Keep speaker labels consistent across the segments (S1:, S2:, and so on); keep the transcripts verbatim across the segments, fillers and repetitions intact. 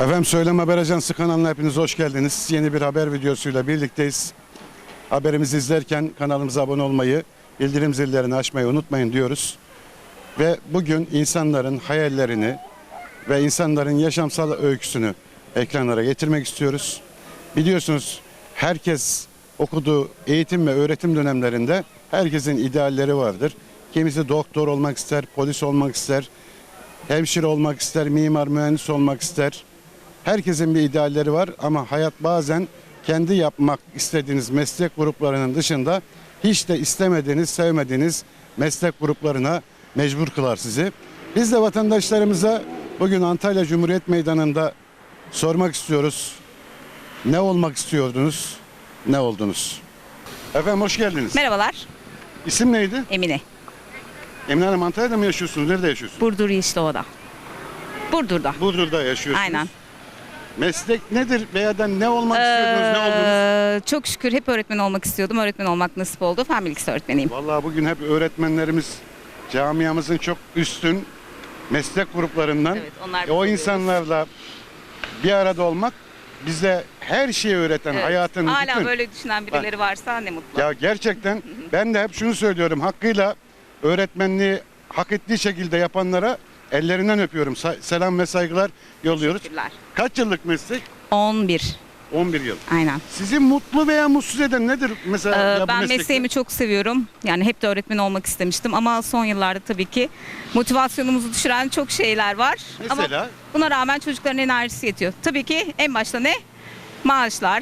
S1: Efendim Söylem Haber Ajansı kanalına hepiniz hoş geldiniz. Yeni bir haber videosuyla birlikteyiz. Haberimizi izlerken kanalımıza abone olmayı, bildirim zillerini açmayı unutmayın diyoruz. Ve bugün insanların hayallerini ve insanların yaşamsal öyküsünü ekranlara getirmek istiyoruz. Biliyorsunuz herkes okuduğu eğitim ve öğretim dönemlerinde herkesin idealleri vardır. Kimisi doktor olmak ister, polis olmak ister, hemşire olmak ister, mimar, mühendis olmak ister. Herkesin bir idealleri var ama hayat bazen kendi yapmak istediğiniz meslek gruplarının dışında hiç de istemediğiniz, sevmediğiniz meslek gruplarına mecbur kılar sizi. Biz de vatandaşlarımıza bugün Antalya Cumhuriyet Meydanı'nda sormak istiyoruz. Ne olmak istiyordunuz, ne oldunuz? Efendim hoş geldiniz.
S2: Merhabalar,
S1: İsim neydi?
S2: Emine.
S1: Emine Hanım, Antalya'da mı yaşıyorsunuz? Nerede yaşıyorsunuz?
S2: Burdur Yeşilova'da. Burdur'da.
S1: Burdur'da yaşıyorsunuz.
S2: Aynen.
S1: Meslek nedir veya da ne olmak istiyordunuz, ne oldunuz?
S2: Ee, çok şükür hep öğretmen olmak istiyordum. Öğretmen olmak nasip oldu. Fen bilgisi öğretmeniyim.
S1: Vallahi bugün hep öğretmenlerimiz camiamızın çok üstün meslek gruplarından.
S2: Evet, onlar
S1: E, o
S2: oluyoruz.
S1: insanlarla bir arada olmak bize her şeyi öğreten,
S2: Evet.
S1: hayatın
S2: Hala
S1: bütün.
S2: böyle düşünen birileri varsa ne mutlu.
S1: Ya gerçekten ben de hep şunu söylüyorum. Hakkıyla öğretmenliği hak ettiği şekilde yapanlara ellerinden öpüyorum. Sa- selam ve saygılar yolluyoruz.
S2: Teşekkürler.
S1: Kaç yıllık meslek?
S2: on bir.
S1: on bir yıl.
S2: Aynen.
S1: Sizi mutlu veya mutsuz eden nedir mesela?
S2: Ee,
S1: ya bu
S2: ben
S1: meslekte?
S2: mesleğimi çok seviyorum. Yani hep de öğretmen olmak istemiştim ama son yıllarda tabii ki motivasyonumuzu düşüren çok şeyler var.
S1: Mesela?
S2: Ama buna rağmen çocukların enerjisi yetiyor. Tabii ki en başta ne? Maaşlar.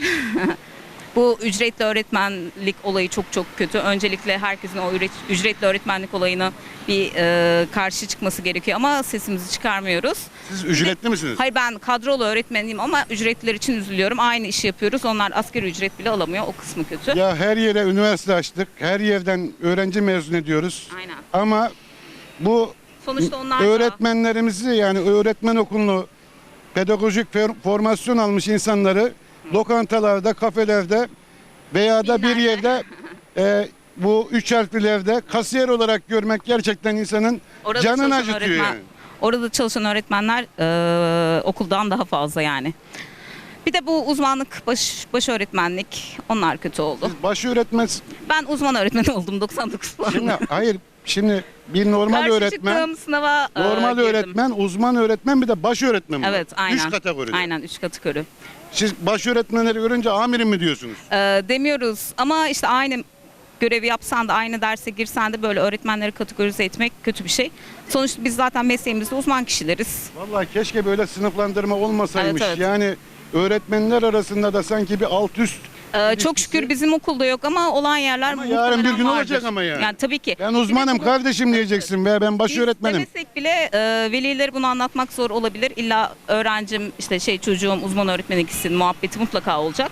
S2: Bu ücretli öğretmenlik olayı çok çok kötü. Öncelikle herkesin o üret- ücretli öğretmenlik olayına bir e, karşı çıkması gerekiyor ama sesimizi çıkarmıyoruz.
S1: Siz ücretli misiniz?
S2: Hayır, ben kadrolu öğretmeniyim ama ücretliler için üzülüyorum. Aynı işi yapıyoruz. Onlar asgari ücret bile alamıyor. O kısmı kötü.
S1: Ya her yere üniversite açtık. Her yerden öğrenci mezun ediyoruz.
S2: Aynen.
S1: Ama bu
S2: Sonuçta onlar da-
S1: öğretmenlerimizi yani öğretmen okulunu pedagojik for- formasyon almış insanları lokantalarda, kafelerde veya da bir
S2: Filmlerde.
S1: yerde e, bu üç harflilerde kasiyer olarak görmek gerçekten insanın
S2: Orada
S1: canını
S2: çalışan
S1: acıtıyor
S2: öğretmen-
S1: yani.
S2: Orada çalışan öğretmenler e, okuldan daha fazla yani. Bir de bu uzmanlık, baş, baş öğretmenlik onlar kötü oldu.
S1: Siz baş öğretmen
S2: Ben uzman öğretmen oldum doksan dokuz puan.
S1: şimdi hayır şimdi bir normal
S2: Karşı
S1: öğretmen
S2: çıktığım sınava e,
S1: normal
S2: girdim.
S1: öğretmen, uzman öğretmen bir de baş öğretmen var.
S2: Evet, aynen.
S1: Üç kategoride.
S2: Aynen, üç kategori.
S1: Siz baş öğretmenleri görünce amirim mi diyorsunuz?
S2: E, demiyoruz ama işte aynı görevi yapsan da aynı derse girsen de böyle öğretmenleri kategorize etmek kötü bir şey. Sonuçta biz zaten mesleğimizde uzman kişileriz.
S1: Vallahi keşke böyle sınıflandırma olmasaymış.
S2: Evet, evet.
S1: Yani öğretmenler arasında da sanki bir alt üst.
S2: Ee, çok
S1: İlişkisi-
S2: şükür bizim okulda yok ama olan yerler
S1: Ama
S2: muhtemelen
S1: yarın bir gün
S2: vardır.
S1: olacak ama yani.
S2: Yani tabii ki.
S1: Ben uzmanım
S2: Bir de bu-
S1: kardeşim diyeceksin ve ben baş
S2: Biz
S1: öğretmenim.
S2: demesek bile e, velileri bunu anlatmak zor olabilir. İlla öğrencim işte şey çocuğum uzman öğretmeni gitsin muhabbeti mutlaka olacak.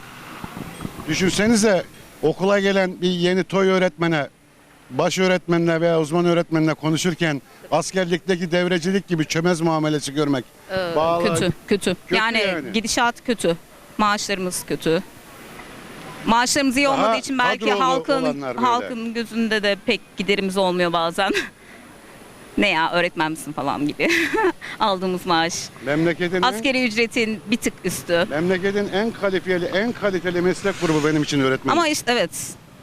S1: Düşünsenize okula gelen bir yeni toy öğretmene, baş öğretmenle veya uzman öğretmenle konuşurken askerlikteki devrecilik gibi çömez muamelesi görmek.
S2: Ee,
S1: Bağlı-
S2: kötü, kötü. Yani,
S1: yani.
S2: gidişat kötü. Maaşlarımız kötü. Maaşlarımız iyi
S1: Daha
S2: olmadığı için belki
S1: kadrolu
S2: halkın
S1: olanlar böyle.
S2: halkın gözünde de pek giderimiz olmuyor bazen. Ne ya öğretmen misin falan gibi. Aldığımız maaş.
S1: Memleketin en,
S2: Askeri ücretin bir tık üstü.
S1: memleketin en kalifiyeli, en kaliteli meslek grubu benim için öğretmen.
S2: Ama işte evet.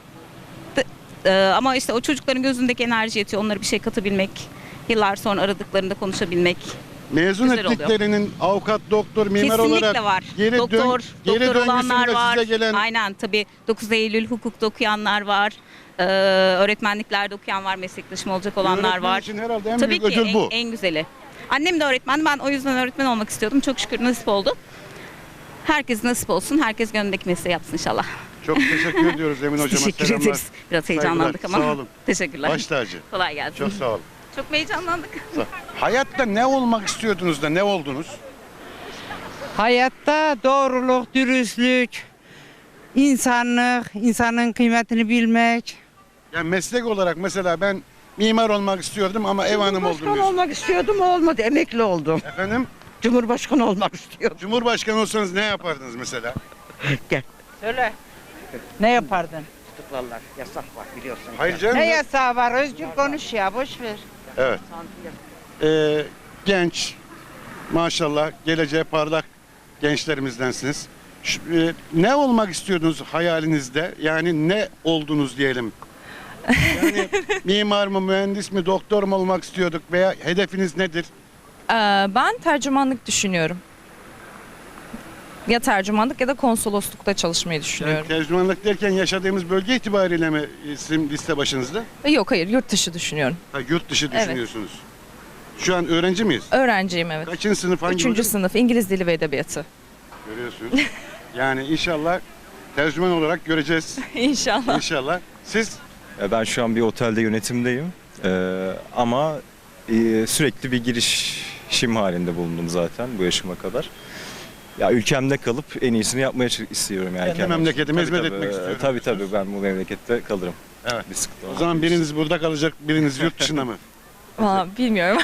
S2: De- e, ama işte o çocukların gözündeki enerji yetiyor. Onlara bir şey katabilmek. Yıllar sonra aradıklarında konuşabilmek.
S1: Mezun
S2: Güzel oluyor.
S1: ettiklerinin avukat, doktor, mimar
S2: Kesinlikle
S1: olarak
S2: var.
S1: geri,
S2: doktor,
S1: dön, geri
S2: doktor olanlar
S1: döngüsünde
S2: var.
S1: size gelen
S2: Aynen tabii dokuz Eylül hukukta okuyanlar var. Ee, öğretmenliklerde okuyan var. Meslektaşım olacak olanlar
S1: öğretmen
S2: var.
S1: için herhalde en
S2: Tabii
S1: büyük
S2: ki
S1: ödül
S2: en,
S1: bu.
S2: en güzeli. Annem de öğretmen. Ben o yüzden öğretmen olmak istiyordum. Çok şükür nasip oldu. Herkes nasip olsun. Herkes gönlündeki mesleği yapsın inşallah.
S1: Çok teşekkür ediyoruz Emin Hocama.
S2: Teşekkür
S1: Selamlar.
S2: ederiz. Biraz heyecanlandık
S1: saygılar.
S2: ama.
S1: Sağ olun.
S2: Teşekkürler.
S1: Baş tacı.
S2: Kolay gelsin.
S1: Çok sağ olun.
S2: Çok mu heyecanlandık?
S1: Hayatta ne olmak istiyordunuz da ne oldunuz?
S3: Hayatta doğruluk, dürüstlük, insanlık, insanın kıymetini bilmek.
S1: Yani meslek olarak mesela ben mimar olmak istiyordum ama ev hanım oldum
S4: Cumhurbaşkanı
S1: diyorsun.
S4: olmak istiyordum olmadı. Emekli oldum.
S1: Efendim?
S4: Cumhurbaşkanı olmak istiyordum.
S1: Cumhurbaşkanı olsanız ne yapardınız mesela?
S4: Gel.
S3: Söyle. Ne yapardın?
S4: Tutuklarlar. Yasak var biliyorsun.
S1: Hayır canım.
S3: Ne yasağı var? Özgür konuş ya, boş ver.
S1: Evet. Ee, genç, maşallah geleceği parlak gençlerimizdensiniz. Şu- e, ne olmak istiyordunuz hayalinizde? Yani ne oldunuz diyelim. Yani mimar mı, mühendis mi, doktor mu olmak istiyorduk veya hedefiniz nedir?
S5: Ee, ben tercümanlık düşünüyorum. Ya tercümanlık ya da konsoloslukta çalışmayı
S1: Yani
S5: düşünüyorum.
S1: tercümanlık derken yaşadığımız bölge itibariyle mi isim liste başınızda?
S5: Ee, Yok hayır, yurt dışı düşünüyorum.
S1: Ha, yurt dışı
S5: Evet.
S1: düşünüyorsunuz. Şu an öğrenci miyiz?
S5: Öğrenciyim evet.
S1: Kaçıncı sınıf, hangi
S5: Üçüncü
S1: bölüm?
S5: sınıf İngiliz Dili ve Edebiyatı.
S1: Görüyorsunuz. Yani inşallah tercüman olarak göreceğiz.
S5: İnşallah.
S1: İnşallah. Siz
S6: E, Ben şu an bir otelde yönetimdeyim. Ee, ama e, sürekli bir girişim halinde bulundum zaten bu yaşıma kadar. Ya ülkemde kalıp en iyisini yapmaya ç- istiyorum yani.
S1: Kendi
S6: kendim için.
S1: memleketime
S6: Tabii,
S1: hizmet
S6: tabii,
S1: etmek
S6: e,
S1: istiyorum
S6: Tabii
S1: diyorsunuz.
S6: tabii ben bu memlekette kalırım.
S1: Evet.
S6: Bir sıkıntı
S1: o
S6: olmaz.
S1: zaman biriniz burada kalacak, biriniz yurt dışında mı?
S5: Valla bilmiyorum.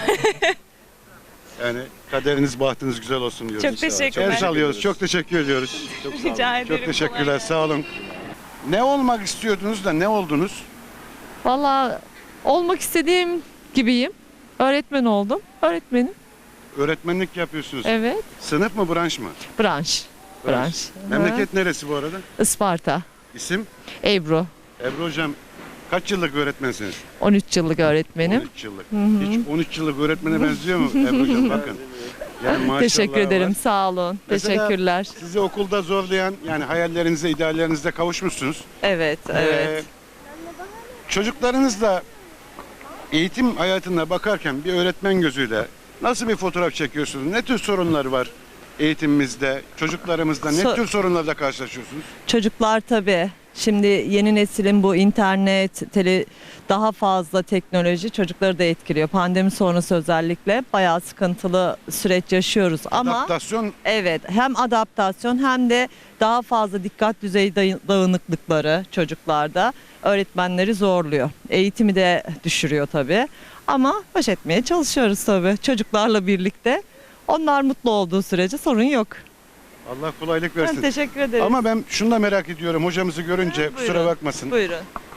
S1: Yani kaderiniz, bahtınız güzel olsun diyoruz.
S5: Çok teşekkürler.
S1: El sallıyoruz. Çok teşekkür ediyoruz. Çok, sağ olun.
S5: Rica ederim.
S1: Çok teşekkürler.
S5: Kolay
S1: Sağ olun. Ne olmak istiyordunuz da ne oldunuz?
S7: Valla olmak istediğim gibiyim. Öğretmen oldum. Öğretmenim.
S1: Öğretmenlik yapıyorsunuz.
S7: Evet.
S1: Sınıf mı, branş mı?
S7: Branş. Branş.
S1: Memleket neresi bu arada?
S7: Ha. Isparta.
S1: İsim?
S7: Ebru.
S1: Ebru Hocam, kaç yıllık öğretmensiniz?
S7: on üç yıllık öğretmenim.
S1: on üç yıllık. Hiç on üç yıllık öğretmene benziyor mu Ebru Hocam? Bakın. Yani maşallah
S7: Teşekkür ederim.
S1: var.
S7: Sağ olun.
S1: Mesela-
S7: Teşekkürler.
S1: Sizi okulda zorlayan, yani hayallerinize, ideallerinize kavuşmuşsunuz.
S7: Evet, evet.
S1: Ee, çocuklarınızla eğitim hayatına bakarken bir öğretmen gözüyle nasıl bir fotoğraf çekiyorsunuz? Ne tür sorunlar var eğitimimizde, çocuklarımızda? Ne
S8: So-
S1: tür sorunlarla karşılaşıyorsunuz?
S8: Çocuklar tabii. Şimdi yeni neslin bu internet, tele, daha fazla teknoloji çocukları da etkiliyor. Pandemi sonrası özellikle bayağı sıkıntılı süreç yaşıyoruz ama
S1: Adaptasyon
S8: evet, hem adaptasyon hem de daha fazla dikkat düzeyi day- dağınıklıkları çocuklarda öğretmenleri zorluyor. Eğitimi de düşürüyor tabii. Ama baş etmeye çalışıyoruz tabii çocuklarla birlikte. Onlar mutlu olduğu sürece sorun yok.
S1: Allah kolaylık
S8: Ben
S1: versin.
S8: teşekkür ederim.
S1: Ama ben şunu da merak ediyorum hocamızı görünce,
S8: Ha,
S1: kusura
S8: buyurun.
S1: bakmasın.
S8: Buyurun.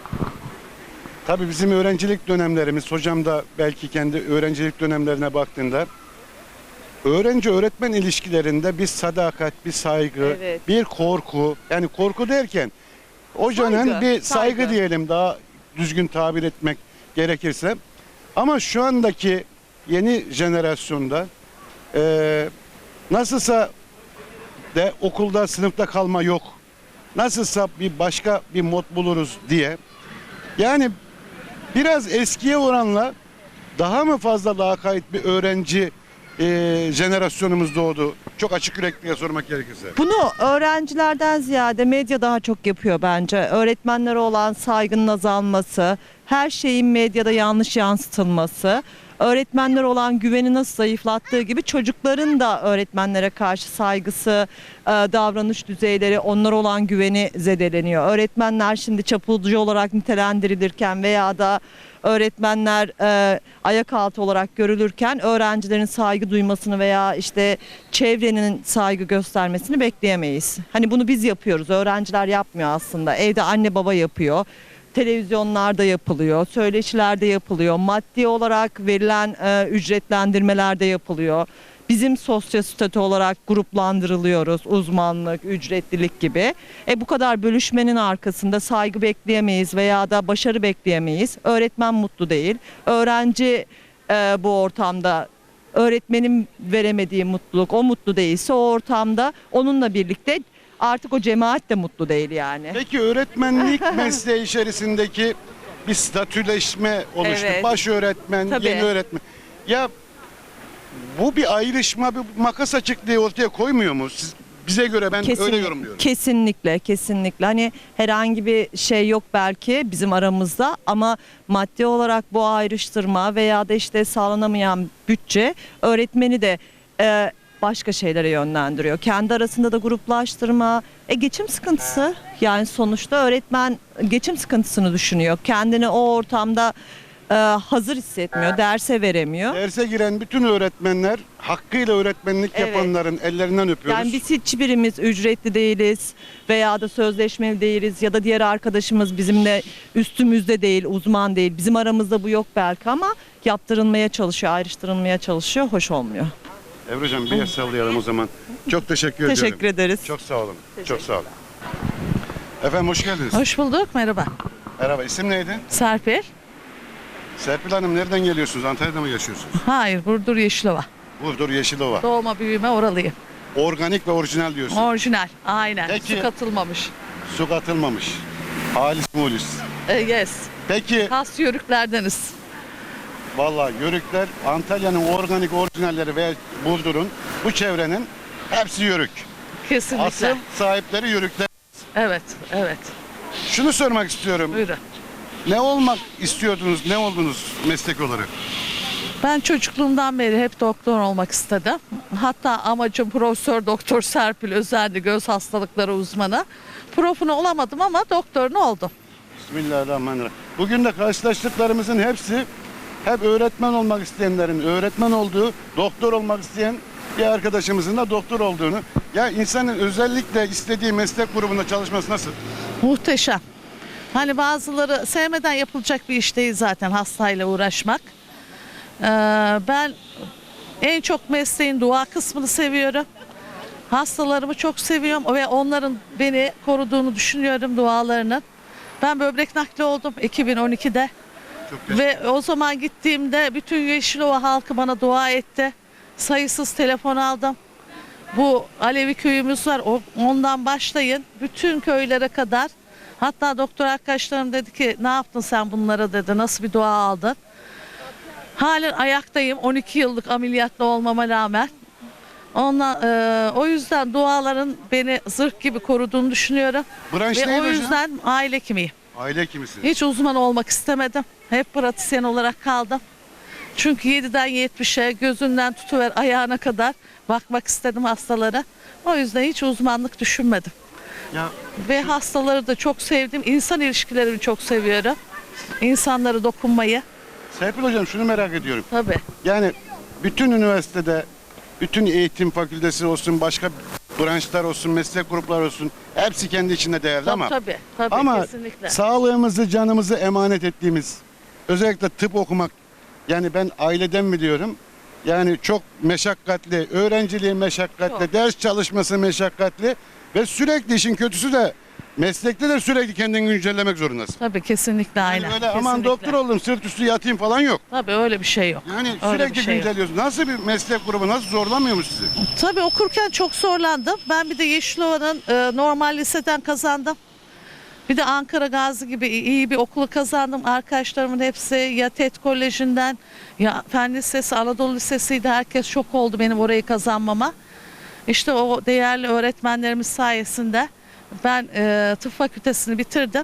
S1: Tabii bizim öğrencilik dönemlerimiz, hocam da belki kendi öğrencilik dönemlerine baktığında öğrenci öğretmen ilişkilerinde bir sadakat, bir saygı,
S8: Evet.
S1: bir korku, yani korku derken hocanın
S8: Saygı,
S1: bir saygı,
S8: saygı.
S1: diyelim, daha düzgün tabir etmek gerekirse. Ama şu andaki yeni jenerasyonda eee nasılsa de okulda, sınıfta kalma yok. Nasılsa bir başka bir mod buluruz diye. Yani biraz eskiye oranla daha mı fazla lakayt bir öğrenci eee jenerasyonumuz doğdu? Çok açık yürekliye sormak gerekirse.
S8: Bunu öğrencilerden ziyade medya daha çok yapıyor bence. Öğretmenlere olan saygının azalması, her şeyin medyada yanlış yansıtılması, öğretmenlere olan güveni nasıl zayıflattığı gibi çocukların da öğretmenlere karşı saygısı, e, davranış düzeyleri, onlara olan güveni zedeleniyor. Öğretmenler şimdi çapulcu olarak nitelendirilirken veya da öğretmenler e, ayak altı olarak görülürken öğrencilerin saygı duymasını veya işte çevrenin saygı göstermesini bekleyemeyiz. Hani bunu biz yapıyoruz, öğrenciler yapmıyor aslında. Evde anne baba yapıyor. Televizyonlarda yapılıyor, söyleşilerde yapılıyor, maddi olarak verilen e, ücretlendirmelerde yapılıyor. Bizim sosyostatü olarak gruplandırılıyoruz, uzmanlık, ücretlilik gibi. E bu kadar bölüşmenin arkasında saygı bekleyemeyiz veya da başarı bekleyemeyiz. Öğretmen mutlu değil, öğrenci e, bu ortamda öğretmenin veremediği mutluluk, o mutlu değilse o ortamda onunla birlikte artık o cemaat de mutlu değil yani.
S1: Peki öğretmenlik mesleği içerisindeki bir statüleşme oluştu.
S8: Evet.
S1: Baş öğretmen,
S8: Tabii.
S1: yeni öğretmen. Ya bu bir ayrışma, bir makas açıklığı ortaya koymuyor mu? Siz, bize göre ben
S8: Kesin-
S1: öyle yorumluyorum.
S8: Kesinlikle, kesinlikle. Hani herhangi bir şey yok belki bizim aramızda ama maddi olarak bu ayrıştırma veya da işte sağlanamayan bütçe öğretmeni de e, başka şeylere yönlendiriyor. Kendi arasında da gruplaştırma, e, geçim sıkıntısı. Yani sonuçta öğretmen geçim sıkıntısını düşünüyor. Kendini o ortamda e, hazır hissetmiyor, derse veremiyor.
S1: Derse giren bütün öğretmenler, hakkıyla öğretmenlik
S8: Evet.
S1: yapanların ellerinden öpüyoruz.
S8: Yani biz hiçbirimiz ücretli değiliz veya da sözleşmeli değiliz ya da diğer arkadaşımız bizimle üstümüzde değil, uzman değil. Bizim aramızda bu yok belki ama yaptırılmaya çalışıyor, ayrıştırılmaya çalışıyor, hoş olmuyor.
S1: Ebru Hocam bir el sallayalım o zaman. Çok teşekkür ediyorum.
S8: Teşekkür ederiz.
S1: Çok sağ olun. Çok sağ olun. Efendim hoş geldiniz.
S9: Hoş bulduk, merhaba.
S1: Merhaba, isim neydi?
S9: Serpil.
S1: Serpil Hanım nereden geliyorsunuz? Antalya'da mı yaşıyorsunuz?
S9: Hayır, Burdur Yeşilova.
S1: Burdur Yeşilova.
S9: Doğma büyüme oralıyım.
S1: Organik ve orijinal diyorsun.
S9: Orijinal, aynen.
S1: Peki.
S9: Su katılmamış.
S1: Su katılmamış. Halis mulis.
S9: E, yes.
S1: Peki
S9: Has yörüklerdeniz.
S1: vallahi Yörükler Antalya'nın organik orijinalleri ve Burdur'un bu çevrenin hepsi Yörük.
S9: Kesinlikle.
S1: Asıl sahipleri Yörükler.
S9: Evet, evet.
S1: Şunu sormak istiyorum.
S9: Buyurun.
S1: Ne olmak istiyordunuz? Ne oldunuz meslek olarak?
S9: Ben çocukluğumdan beri hep doktor olmak istedim. Hatta amacım Profesör Doktor Serpil Özendi, göz hastalıkları uzmanı. Profunu olamadım ama doktorunu oldum.
S1: Bismillahirrahmanirrahim. Bugün de karşılaştıklarımızın hepsi hep öğretmen olmak isteyenlerin öğretmen olduğu, doktor olmak isteyen bir arkadaşımızın da doktor olduğunu. Ya insanın özellikle istediği meslek grubunda çalışması nasıl?
S9: Muhteşem. Hani bazıları sevmeden yapılacak bir iş değil zaten hastayla uğraşmak. Ee, ben en çok mesleğin dua kısmını seviyorum. Hastalarımı çok seviyorum ve onların beni koruduğunu düşünüyorum, dualarının. Ben böbrek nakli oldum iki bin on ikide.
S1: Çok
S9: Ve o zaman gittiğimde bütün Yeşilova halkı bana dua etti. Sayısız telefon aldım. Bu Alevi köyümüz var. o- Ondan başlayın. Bütün köylere kadar. Hatta doktor arkadaşlarım dedi ki ne yaptın sen bunlara dedi. Nasıl bir dua aldın? Halen ayaktayım. on iki yıllık ameliyatlı olmama rağmen. Ondan, e, o yüzden duaların beni zırh gibi koruduğunu düşünüyorum.
S1: Branş
S9: Ve
S1: neydi
S9: o
S1: hocam?
S9: yüzden aile hekimiyim.
S1: Aile hekimisi.
S9: Hiç uzman olmak istemedim. Hep pratisyen olarak kaldım. Çünkü yediden yetmişe gözünden tutuver ayağına kadar bakmak istedim hastalara. O yüzden hiç uzmanlık düşünmedim.
S1: Ya
S9: Ve hastaları da çok sevdim. İnsan ilişkilerini çok seviyorum. İnsanlara dokunmayı.
S1: Serpil Hocam şunu merak ediyorum.
S9: Tabii.
S1: Yani bütün üniversitede, bütün eğitim fakültesi olsun, başka branşlar olsun, meslek grupları olsun hepsi kendi içinde değerli
S9: Tabii
S1: ama
S9: tabii. tabii
S1: ama
S9: kesinlikle.
S1: sağlığımızı, canımızı emanet ettiğimiz özellikle tıp okumak, yani ben aileden mi diyorum? Yani çok meşakkatli, öğrenciliği meşakkatli,
S9: Çok.
S1: ders çalışması meşakkatli ve sürekli işin kötüsü de meslekte de sürekli kendini güncellemek zorundasın.
S9: Tabii kesinlikle
S1: Yani
S9: aynen.
S1: öyle aman
S9: Kesinlikle.
S1: doktor oldum sırt üstü yatayım falan yok.
S9: Tabii öyle bir şey yok.
S1: Yani
S9: Öyle
S1: sürekli
S9: bir şey yok.
S1: güncelliyorsun. Nasıl bir meslek grubu, nasıl zorlamıyor mu sizi?
S9: Tabii okurken çok zorlandım. Ben bir de Yeşilova'nın e, normal liseden kazandım. Bir de Ankara Gazi gibi iyi bir okulu kazandım. Arkadaşlarımın hepsi ya TED Koleji'nden ya Fen Lisesi, Anadolu Lisesi'ydi. Herkes şok oldu benim orayı kazanmama. İşte o değerli öğretmenlerimiz sayesinde ben e, tıp fakültesini bitirdim.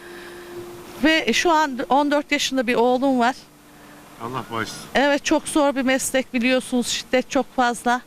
S9: Ve şu an on dört yaşında bir oğlum var.
S1: Allah bağışlasın.
S9: Evet çok zor bir meslek biliyorsunuz. Şiddet çok fazla.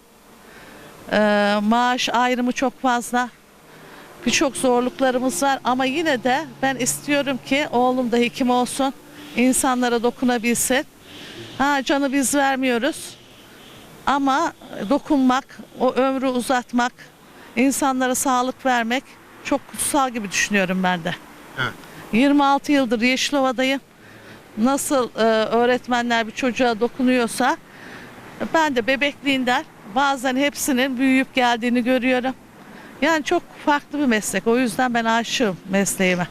S9: Ee, maaş ayrımı çok fazla. Birçok zorluklarımız var ama yine de ben istiyorum ki oğlum da hekim olsun. İnsanlara dokunabilsin. Ha, canı biz vermiyoruz. Ama dokunmak, o ömrü uzatmak, insanlara sağlık vermek çok kutsal gibi düşünüyorum ben de.
S1: Evet.
S9: yirmi altı yıldır Yeşilova'dayım. Nasıl e, öğretmenler bir çocuğa dokunuyorsa ben de bebekliğinden bazen hepsinin büyüyüp geldiğini görüyorum. Yani çok farklı bir meslek. O yüzden ben aşığım mesleğime.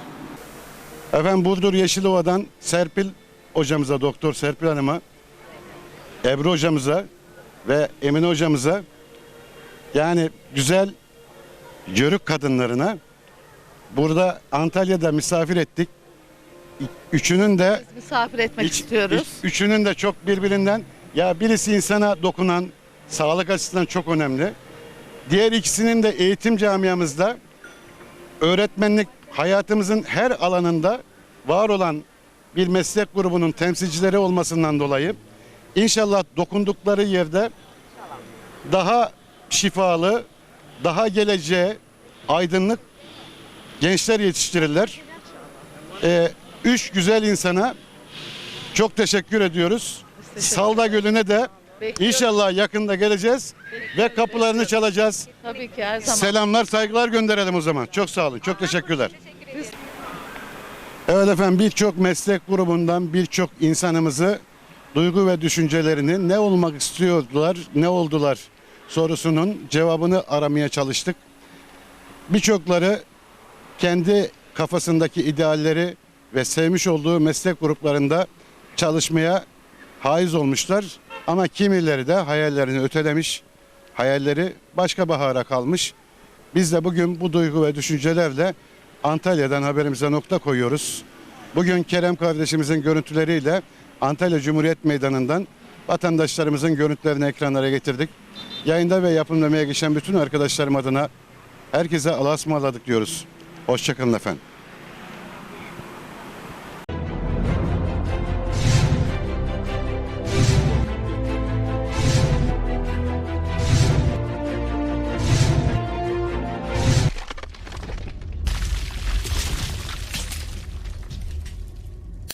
S1: Efendim Burdur Yeşilova'dan Serpil hocamıza, Doktor Serpil Hanım'a, Ebru hocamıza ve Emine hocamıza, yani güzel Yörük kadınlarına burada Antalya'da misafir ettik. Üçünün de
S9: Misafir etmek
S1: Hiç-
S9: istiyoruz.
S1: hiç- üçünün de çok birbirinden, ya birisi insana dokunan, sağlık açısından çok önemli. Diğer ikisinin de eğitim camiamızda öğretmenlik hayatımızın her alanında var olan bir meslek grubunun temsilcileri olmasından dolayı inşallah dokundukları yerde daha şifalı, daha geleceğe aydınlık gençler yetiştirirler. Ee, üç güzel insana çok teşekkür ediyoruz. Salda Gölü'ne de inşallah yakında geleceğiz ve kapılarını çalacağız.
S9: Tabii ki her zaman.
S1: Selamlar, saygılar gönderelim o zaman. Çok sağ olun, çok teşekkürler. Evet efendim, birçok meslek grubundan birçok insanımızı duygu ve düşüncelerini ne olmak istiyordular, ne oldular sorusunun cevabını aramaya çalıştık. Birçokları kendi kafasındaki idealleri ve sevmiş olduğu meslek gruplarında çalışmaya haiz olmuşlar. Ama kimileri de hayallerini ötelemiş, hayalleri başka bahara kalmış. Biz de bugün bu duygu ve düşüncelerle Antalya'dan haberimize nokta koyuyoruz. Bugün Kerem kardeşimizin görüntüleriyle Antalya Cumhuriyet Meydanı'ndan vatandaşlarımızın görüntülerini ekranlara getirdik. Yayında ve yapımlamaya geçen bütün arkadaşlarım adına herkese Allah'a ısmarladık diyoruz. Hoşçakalın efendim.